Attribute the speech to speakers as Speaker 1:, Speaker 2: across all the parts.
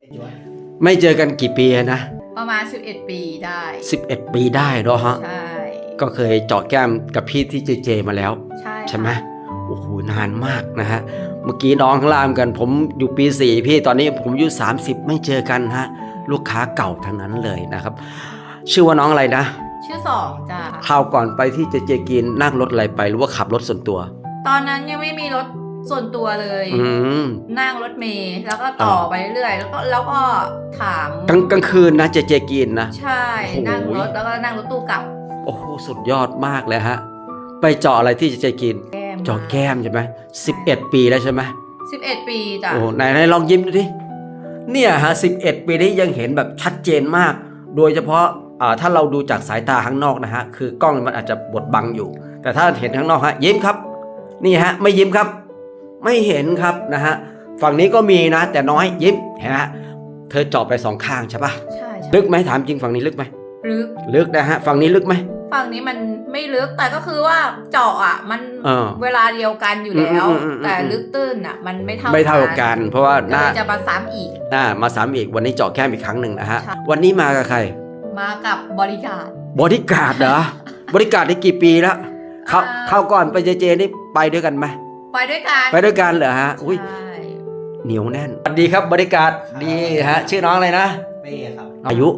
Speaker 1: ไม่เจอกันกี่ปีนะ
Speaker 2: ประมาณ11 ปีได้
Speaker 1: 11 ปีได้เนาะฮะ
Speaker 2: ใช่
Speaker 1: ก็เคยเจาะแก้มกับพี่ที่เจมาแล้ว
Speaker 2: ใช่
Speaker 1: ไหมโอ้โหนานมากนะฮะเมื่อกี้น้องข้างล่างกันผมอยู่ปี4พี่ตอนนี้ผมอายุ30ไม่เจอกันฮะลูกค้าเก่าทั้งนั้นเลยนะครับชื่อว่าน้องอะไรนะ
Speaker 2: ชื่อสองจ้ะ
Speaker 1: คราวก่อนไปที่เจกินนั่งรถอะไรไปหรือว่าขับรถส่วนตัว
Speaker 2: ตอนนั้นยังไม่มีรถส่วนตัวเลยนั่งรถเมล์แล้วก็ต่อไปเรื่อยแล้วก็ถาม
Speaker 1: กลางคืนนะเจกินนะ
Speaker 2: ใช่นั่งรถแล้วก็นั่งรถตู้กลับ
Speaker 1: โอ้โหสุดยอดมากเลยฮะไปเจาะอะไรที่เจกินเจาะแก้มใช่ไหม11 ปีแล้วใช่ไหม
Speaker 2: 11 ปีจ้ะ
Speaker 1: โอ้ไหนลองยิ้มดูดิเนี่ยฮะ11 ปีนี้ยังเห็นแบบชัดเจนมากโดยเฉพาะถ้าเราดูจากสายตาข้างนอกนะฮะคือกล้องมันอาจจะบดบังอยู่แต่ถ้าเห็นข้างนอกฮะยิ้มครับนี่ฮะไม่ยิ้มครับไม่เห็นครับนะฮะฝั่งนี้ก็มีนะแต่น้อยยิ้มเห็นไหมเธอเจาะไป2 ข้างใช่ปะ
Speaker 2: ใช่
Speaker 1: ลึกไหมถามจริงฝั่งนี้ลึกไหมลึกนะฮะฝั่งนี้ลึกไหม
Speaker 2: ฝั่งนี้มันไม่ลึกแต่ก็คือว่าเจาะอ่ะมันเวลาเดียวกันอยู่แล้วแต่ลึกตื้นอ่ะมันไม่เท่า
Speaker 1: กันเพราะว่าน่า
Speaker 2: จะมาซ้ำอีก
Speaker 1: มาซ้ำอีกวันนี้เจาะแก้มอีกครั้งหนึ่งนะฮะวันนี้มากับใคร
Speaker 2: มากับบริการ
Speaker 1: เหรอบริการได้กี่ปีแล้วเข้าก่อนไปเจนี่ไปด้วยกันไหม
Speaker 2: ไปด้วย
Speaker 1: กันเหรอฮะอุ้ยเหนียวแน่นสวัสดีครับบริการดีฮะชื่อน้องอะไรนะ
Speaker 3: เป้ครับ
Speaker 1: อายุ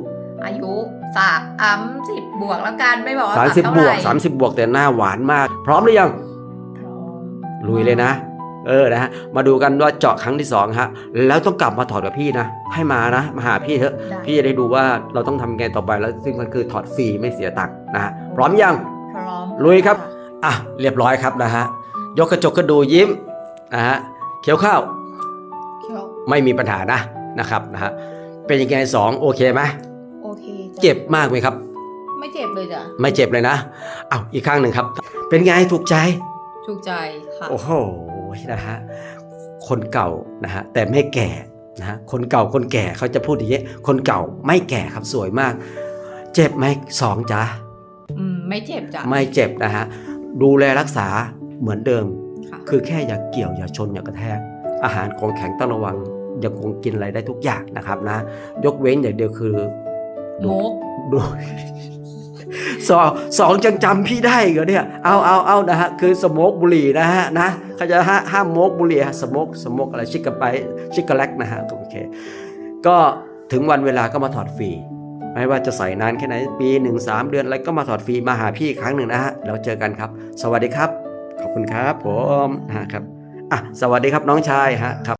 Speaker 2: 30 บวกแล้วกันไม่บอกว่า
Speaker 1: 30 บวกแต่หน้าหวานมากพร้อมหรือยัง
Speaker 2: พร้อม
Speaker 1: ลุยเลยนะนะฮะมาดูกันว่าเจาะครั้งที่2ฮะแล้วต้องกลับมาถอดกับพี่นะให้มาหาพี่เถอะพี่จะได้ดูว่าเราต้องทำไงต่อไปแล้วซึ่งมันคือถอดฟรีไม่เสียตังค์นะฮะพร้อมยัง
Speaker 2: พร้อม
Speaker 1: ลุยครับเรียบร้อยครับนะฮะยกกระจกกระดูยิ้มนะฮะเคี้ยวข้าวไม่มีปัญหานะครับนะฮะเป็นยังไง2โอเคไหม
Speaker 2: โอเค
Speaker 1: เจ็บมากไหมครับ
Speaker 2: ไม่เจ็บเลยจ้ะ
Speaker 1: ไม่เจ็บเลยนะอีกข้างหนึ่งครับเป็นไงถูกใจ
Speaker 2: ค่ะ
Speaker 1: โอ้โหนะฮะคนเก่านะฮะแต่ไม่แก่นะฮะคนเก่าคนแก่เขาจะพูดอย่างนี้คนเก่าไม่แก่ครับสวยมากเจ็บไหม2จ๊ะ
Speaker 2: ไม่เจ็บจ้ะ
Speaker 1: ไม่เจ็บนะฮะดูแลรักษาเหมือนเดิมคือแค่อย่าเกี่ยวอย่าชนอย่ากระแทกอาหารของแข็งต้องระวังยังคงกินอะไรได้ทุกอย่างนะครับนะยกเว้นอย่างเดียวคือดูสองจังจำพี่ได้เหรอเนี่ยเอานะฮะคือสโมกบุหรี่นะฮะนะเขาจะห้ามโมกบุหรี่สโมกอะไรชิกกะไปชิกกะแลกนะฮะโอเคก็ถึงวันเวลาก็มาถอดฟรีไม่ว่าจะใส่นานแค่ไหนปี1 3 เดือนอะไรก็มาถอดฟรีมาหาพี่ครั้งหนึ่งนะฮะแล้วเจอกันครับสวัสดีครับขอบคุณครับผมนะครับสวัสดีครับน้องชายฮะครับ